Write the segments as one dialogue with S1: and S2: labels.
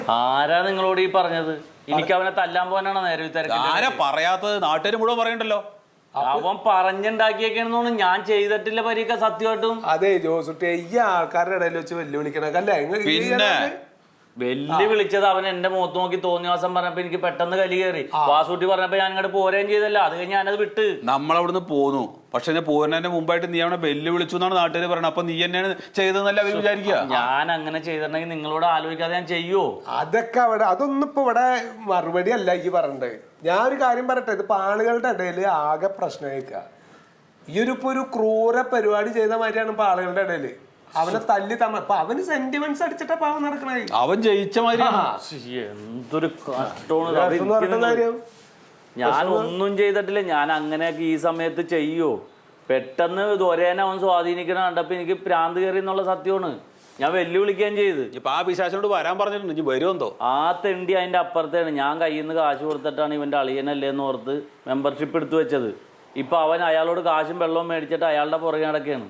S1: ആരാ നിങ്ങളോട് ഈ പറഞ്ഞത്? എനിക്ക് അവനെ തല്ലാൻ പോകാനാണ് നേരെ
S2: ആരാ പറയാത്തത്? നാട്ടുകാർ മുഴുവൻ പറയണ്ടല്ലോ.
S1: അവൻ പറഞ്ഞുണ്ടാക്കിയേക്കണെന്നോന്ന് ഞാൻ ചെയ്തിട്ടില്ല പരീക്ക സത്യമായിട്ടും.
S3: അതെ ജോസുട്ടി ഈ ആൾക്കാരുടെ ഇടയിൽ വെച്ച് വെല്ലുവിളിക്കണല്ലേ?
S2: പിന്നെ
S1: വെല്ലുവിളിച്ചത് അവൻ എന്റെ മുഖത്ത് നോക്കി തോന്നിവാസം പറഞ്ഞപ്പോ എനിക്ക് പെട്ടെന്ന് കലി കയറി. വാസൂട്ടി പറഞ്ഞപ്പോ ഞാൻ ഇങ്ങോട്ട് പോരുകയും ചെയ്തല്ല. അത് കഴിഞ്ഞ് ഞാനത് വിട്ട്
S2: നമ്മളവിടുന്ന് പോന്നു. പക്ഷെ ഞാൻ പോരുന്നതിന്റെ മുമ്പായിട്ട് നീ അവനെ വെല്ലുവിളിച്ചു എന്നാണ് നാട്ടുകാർ പറയുന്നത്. അപ്പൊ നീ തന്നെയാണ് ചെയ്തതെന്നല്ല അവർ വിചാരിക്കുക.
S1: ഞാൻ അങ്ങനെ ചെയ്തിട്ടുണ്ടെങ്കിൽ നിങ്ങളോട് ആലോചിക്കാതെ ഞാൻ ചെയ്യോ?
S3: അതൊക്കെ അവിടെ അതൊന്നും ഇപ്പൊ ഇവിടെ മറുപടി അല്ല ഈ പറഞ്ഞത്. ഞാൻ ഒരു കാര്യം പറയട്ടെ, ഇത് ആളുകളുടെ ഇടയിൽ ആകെ പ്രശ്നമായിരിക്കുക. ഈ ഒരു ക്രൂര പരിപാടി ചെയ്ത മാതിരിയാണ് ഇപ്പൊ ആളുകളുടെ ഇടയില്. അവനെ തല്ലി അപ്പൊ അവന് സെന്റിമെന്റ്സ് അടിച്ചിട്ടാ പാവം നടക്കണേ.
S2: അവൻ ജയിച്ച മാതിരി
S1: എന്തൊരു കഷ്ടമാണ്. ഞാൻ ഒന്നും ചെയ്തിട്ടില്ല. ഞാൻ അങ്ങനെയൊക്കെ ഈ സമയത്ത് ചെയ്യോ? പെട്ടെന്ന് ദൊരേനെ അവൻ സ്വാധീനിക്കണ കണ്ടപ്പോ എനിക്ക് പ്രാന്ത് കയറി എന്നുള്ള സത്യമാണ്. ഞാൻ വെല്ലുവിളിക്കുകയും ചെയ്ത്.
S2: ഇപ്പൊ ആ പിശാചിനോട് വരാൻ പറഞ്ഞിട്ടുണ്ട്. ഇനി വരുമെന്തോ? ആ
S1: തെണ്ടി അതിന്റെ അപ്പുറത്താണ്. ഞാൻ കയ്യിൽ നിന്ന് കാശ് കൊടുത്തിട്ടാണ് ഇവന്റെ അളിയനല്ലേ എന്ന് ഓർത്ത് മെമ്പർഷിപ്പ് എടുത്തു വെച്ചത്. ഇപ്പൊ അവൻ അയാളോട് കാശും വെള്ളവും മേടിച്ചിട്ട് അയാളുടെ പുറകെ നടക്കുകയാണ്.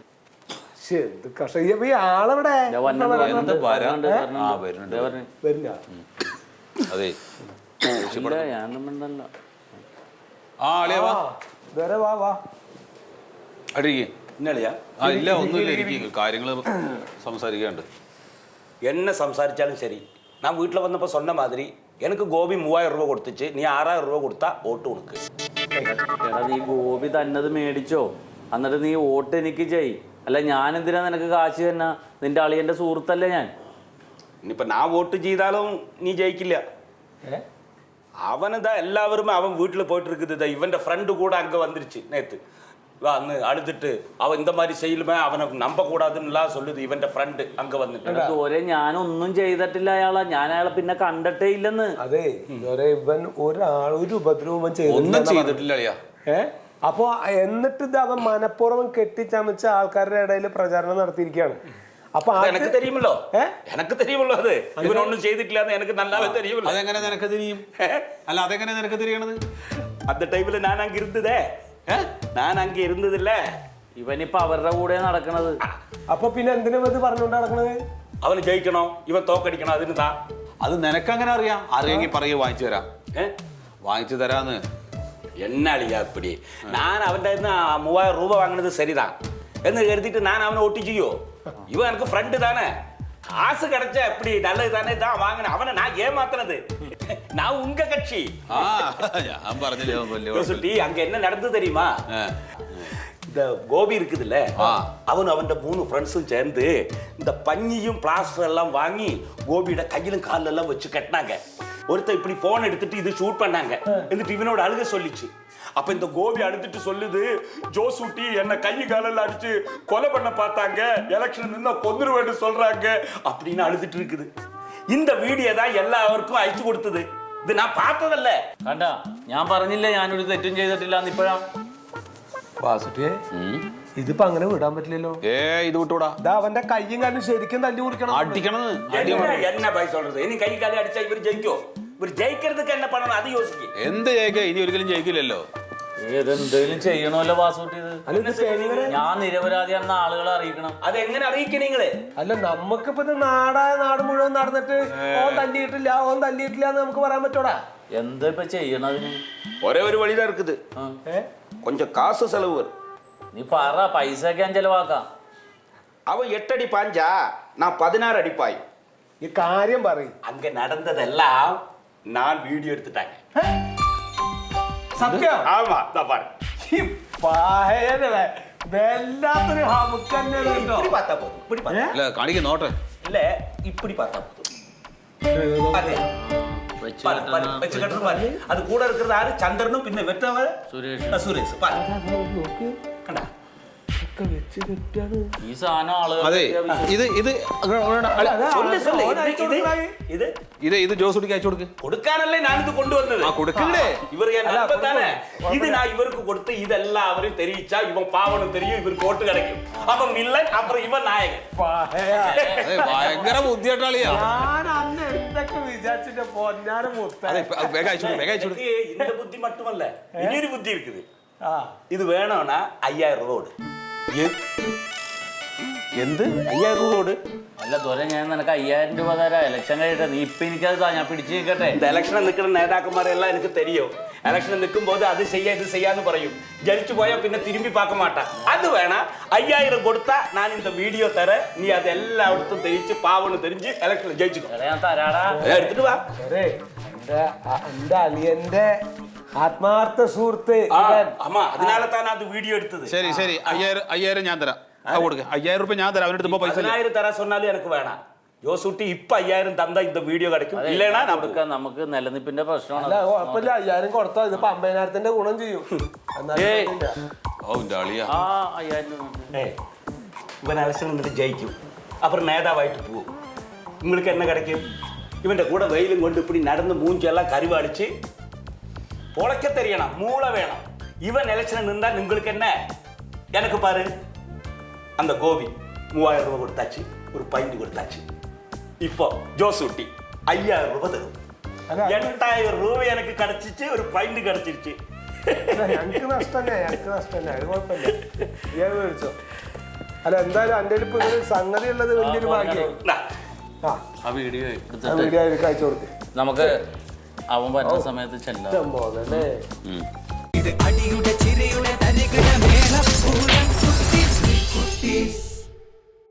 S3: ആളെവിടെ?
S2: കാര്യങ്ങള് സംസാരിക്കാണ്ട്.
S4: என்ன സംസാരിച്ചാലും ശരി, ഞാൻ വീട്ടിൽ വന്നപ്പോൾ சொன்ன மாதிரி எனக்கு கோபி 3000 രൂപ കൊടുത്തിച്ച് നീ 6000 രൂപ കൊടുത്താ വോട്ട് കൊടുക്ക്.
S1: എടാ നീ ഗോപി തന്നത് മേടിച്ചോ, എന്നിട്ട് നീ വോട്ട് എനിക്ക് ചെയ്. അല്ല ഞാൻ എന്തിനാ നിനക്ക് കാശ് തന്നെ? നിന്റെ അളിയന്റെ സുഹൃത്തല്ലേ ഞാൻ.
S4: ഇനിയിപ്പോ ഞാൻ വോട്ട് ചെയ്താലും നീ ജയിക്കില്ല. അവനതാ എല്ലാവരും അവൻ വീട്ടിൽ പോയിട്ട് இருக்குது. ഇവന്റെ ഫ്രണ്ട് കൂടെ അങ്ക വന്നിരുச்சு നേത്ത് അന്ന് അഴുതിട്ട് അവൻ இந்த மாதிரி செய்யலுமே അവനെ നമ്പ കൂടാതെന്നുള്ള சொல்லுது. ഇവന്റെ ഫ്രണ്ട് അങ്ക വന്നിട്ട്
S1: ഞാനൊന്നും ചെയ്തിട്ടില്ല അയാളെ. ഞാൻ അയാളെ പിന്നെ കണ്ടിട്ടേ ഇല്ലെന്ന്.
S3: അതെ ഇവൻ ഒരു ഉപദ്രവം
S2: ചെയ്തിട്ടില്ല.
S3: അപ്പൊ എന്നിട്ട് ഇത് അവൻ മനഃപൂർവ്വം കെട്ടിച്ചമച്ച ആൾക്കാരുടെ ഇടയിൽ പ്രചാരണം നടത്തിയിരിക്കുകയാണ്. അപ്പൊ
S4: എനിക്ക് തെരിയുമല്ലോ, എനിക്ക് തെരിയുമല്ലോ. അത് ഇവനൊന്നും ചെയ്തിട്ടില്ല എന്ന് എനിക്ക് നല്ലാതെ തെരിയുമല്ലോ.
S2: അതെങ്ങനെ നിനക്ക് തിരിയും? അല്ല അതെങ്ങനെ നിനക്ക് തിരിയണത്?
S4: அந்த டைம்ல நான் அங்க இருந்ததே, நான் அங்க இருந்ததில்ல.
S1: ഇവനിപ്പോ അവരുടെ കൂടെ നടക്കണത്.
S3: അപ്പൊ പിന്നെ എന്തിനാ ഇത് പറഞ്ഞുകൊണ്ട് നടക്കണത്?
S4: അവന് ജയിക്കണോ ഇവൻ തോക്കടിക്കണോ? അതിന് താ
S2: അത് നിനക്കങ്ങനെ അറിയാം. അറിയെങ്കിൽ പറയൂ, വാങ്ങിച്ചു തരാം. വാങ്ങിച്ചു തരാന്ന്.
S4: என்ன அழியா இப்படி? நான் அவன் 3000 ரூபாய் வாங்கினது சரிதான் എന്ന് കരുതിയിട്ട് ഞാൻ അവനെ വോട്ട് ചെയ്യോ? ഇവൻ എനിക്ക് ഫ്രണ്ട് താനേ, காசு கிடைச்சா எப்படி நல்லது தானே தான் வாங்கின. அவனை நான் ஏமாத்தினது. நான் உங்க கட்சி. அங்க என்ன நடந்தது தெரியுமா? இந்த கோபி இருக்குதுல்ல, அவன் அவன் 3 ஃப்ரெண்ட்ஸும் சேர்ந்து இந்த பஞ்சியும் பிளாஸ்டர் எல்லாம் வாங்கி கோபியோட கையிலும் காலில் எல்லாம் வச்சு கட்டினாங்க. ஒருத்தர் இப்படி போன் எடுத்துட்டு இது ஷூட் பண்ணாங்க. എന്നിട്ട് ഇവനോട് അഴുക சொல்லிச்சு. அப்ப இந்த கோபி அடுத்துட்டு சொல்லுது, ஜோசூட்டி என்ன கை காலெல்லாம் அடிச்சு கொலை பண்ண பார்த்தாங்க, எலெக்ஷன் நின்னா கொன்னுருவேன்னு சொல்றாங்க அப்படின்னு அழுதுட்டு இருக்குது. இந்த வீடியோ தான் எல்லாവർക്കും അയച്ചു കൊടുത്തത്. ഇത് ഞാൻ பார்த்தതല്ല.
S1: കണ്ട, ഞാൻ പറഞ്ഞില്ല ഞാനൊരു തെറ്റും ചെയ്തിട്ടില്ല എന്ന്. ഇപ്പോഴാ
S3: വാസുട്ടിയെ ഇതിപ്പോ അങ്ങനെ വിടാൻ പറ്റില്ലല്ലോ.
S2: ഇത് വിട്ടൂടാ.
S3: അവന്റെ കയ്യും കാലും ശരിക്കും തല്ലി കൊടുക്കണം,
S2: അടിക്കണം.
S4: என்ன பை சொல்றது? ഇനി കൈ കാലം അടിച്ചാ ഇവർ ജയിക്കോ? ഇവർ ജയിக்கிறதுக்கு என்ன பண்ணணும் അത് യോസിക്ക്.
S2: എന്ത് ജയിക്കാ? ഇനി ഒരിക്കലും ജയിക്കില്ലല്ലോ.
S1: ഏതെന്തെങ്കിലും ചെയ്യണമല്ലോ വാസൂട്ടി. ഞാൻ നിരപരാധിയാണെന്ന് ആളുകളെ അറിയിക്കണം.
S4: അതെങ്ങനെ അറിയിക്കണം നിങ്ങള്?
S3: അല്ല നമുക്കിപ്പോ ഇത് നാട് മുഴുവൻ നടന്നിട്ട് ഓൻ തല്ലിയിട്ടില്ല എന്ന് നമുക്ക് പറയാൻ പറ്റോടാ?
S1: എന്താ ഇപ്പൊ ചെയ്യണതിന്?
S4: ഒരേ ഒരു വഴിതാ இருக்குது. கொஞ்சம் காசு செலவு.
S1: നീ പറ, പൈസ ഒക്കെ ഞാൻ ചെലവാക്കാം.
S4: അവൻ 8 അടി പാഞ്ചാ, நான் 16 അടി പായി.
S3: ഈ കാര്യം പറയും.
S4: அங்க நடந்ததெல்லாம் நான் வீடியோ எடுத்துட்டாங்க.
S3: സത്യം?
S4: ஆமா, நான் பாரு.
S3: വല്ലാത്തൊരു
S4: இப்படி பார்த்தா போதும், இப்படி பார்த்தா
S2: இல்ல காணிக்க நோட்ட
S4: இல்ல, இப்படி பார்த்தா போதும். அதே വെച്ച് കെട്ടണം പാரு. അത് കൂടെ இருக்கிறது ആര്? ചന്ദ്രനും പിന്നെ വെറ്റവ സുരേഷ് പാரு. കണ്ടാ
S1: ഈ സാധനം ആളുകൾ
S2: ഇത് ജോസുട്ടിക്ക് അയച്ചു കൊടുക്ക്.
S4: കൊടുക്കാനല്ലേ ഞാനിത് കൊണ്ടുവന്നത്.
S2: കൊടുക്കണ്ടേ?
S4: ഇവർ തന്നെ ഇത് ഞാൻ ഇവർക്ക് കൊടുത്ത് ഇതെല്ലാവരും തെരിയിച്ചാ ഇവൻ പാവനും തെരിയും, ഇവർക്ക് വോട്ട് കിടക്കും. അപ്പം വില്ലൻ, അപ്പുറം ഇവൻ നായകൻ.
S2: ഭയങ്കര ബുദ്ധിയായിട്ടാളിയാ.
S4: இந்த புத்தி மட்டுமல்ல, இனிയൊரு புத்தி இருக்குது. இது வேணும்னா 5000 ரூபாய்.
S2: എന്ത്
S4: 5000 രൂപ കൊടു.
S1: അല്ല ദൊര ഞാൻ നിനക്ക് 5000 രൂപ തരാം ഇലക്ഷൻ കഴിയട്ടെ നീ ഇപ്പൊ എനിക്കത് താ ഞാൻ പിടിച്ചു നിൽക്കട്ടെ
S4: இந்த எலெக்ஷனில் நிற்கிற நேதாக்கന്മാരെല്ലാം எனக்கு தெரியும். எலெக்ஷனில் நிற்கும் போது அது செய்ய இது செய்யான்னு പറയും. ஜலிச்சு போயா பின்ன திரும்பி பார்க்க மாட்டான். அது வேணா 5000 கொடுத்தா நான் இந்த வீடியோ தரேன். நீ அது எல்லாയിടത്തും തെളിയിച്ച് പാവന്ന് தெரிஞ்சு எலெக்ஷனில் ஜெயிச்சுக்கோ.
S1: ഞാൻ തരാടാ
S4: എടുത്തിട്ട് വാ.
S3: എന്റെ അളിയന്റെ ആത്മാർത്ഥ സുഹൃത്ത്
S4: ஆமா அதனால தான் நான் அது வீடியோ எடுத்தது.
S2: ശരി ശരി 5000 ഞാൻ തരാം കൊടുക്ക 5000 രൂപ ഞാൻ തരാം അവൻ്റെ അടുത്ത് പൈസ
S4: 10000 തരാൻ சொன்னாலும் எனக்கு வேணாം. ജോസൂട്ടി ഇപ്പൊ 5000 തന്നാ இந்த വീഡിയോ கிடைக்கும். இல்லைனா நான்
S1: കൊടുക്കാം നമുക്ക് നിലനിൽപ്പിന്റെ പ്രശ്നമാണ്
S3: അല്ല കുഴപ്പമില്ല 5000 കൊടുത്താൽ ഇതിപ്പോ 50000ന്റെ ഗുണം ചെയ്യും
S1: ഏയ്
S2: ഓ എൻ്റെ അളിയാ
S1: ആ 5000 രൂപ
S4: ஏய் இவன் எலெக்ஷன் நின்று ஜெயிக்கும். அப்புறம் நேதாவாயிட்டு போகும். உங்களுக்கு என்ன கிடைக்கும்? இவன் கூட வெயிலும் கொண்டு இப்படி நடந்து மூஞ்செல்லாம் கருவாடிச்சு பொழைக்க தெரியணும். மூளை வேணும். இவன் எலெக்ஷன் நின்றா உங்களுக்கு என்ன? எனக்கு பாரு அந்த கோபி 3000 ரூபாய் கொடுத்தாச்சு, ஒரு பைண்ட் கொடுத்தாச்சு. இப்போ ஜோசூட்டி 5000 ரூபாய் தரும். 8000 ரூபாய் எனக்கு கிடைச்சிச்சு, ஒரு பைண்ட் கிடைச்சிருச்சு.
S3: ഞങ്ങക്ക് നഷ്ടല്ലേ അത് കുഴപ്പമില്ല ഇയാൾ മേടിച്ചോ. അല്ല എന്തായാലും എൻ്റെ ഇപ്പൊ ഒരു സംഗതി ഉള്ളത് വലിയൊരു ഭാഗ്യം.
S4: இந்தா.
S3: ആ
S1: ആ വീഡിയോ
S3: ആ
S1: എടുത്തിട്ട്
S3: വീഡിയോ എനിക്ക് അയച്ചു കൊടുത്ത്
S1: നമുക്ക് അവൻ വരുന്ന സമയത്ത് ചെല്ലാം
S3: പോകല്ലേ
S5: ഇത് അടിയുടെ ചിരയുടെ തരികിട മേളപ്പൂര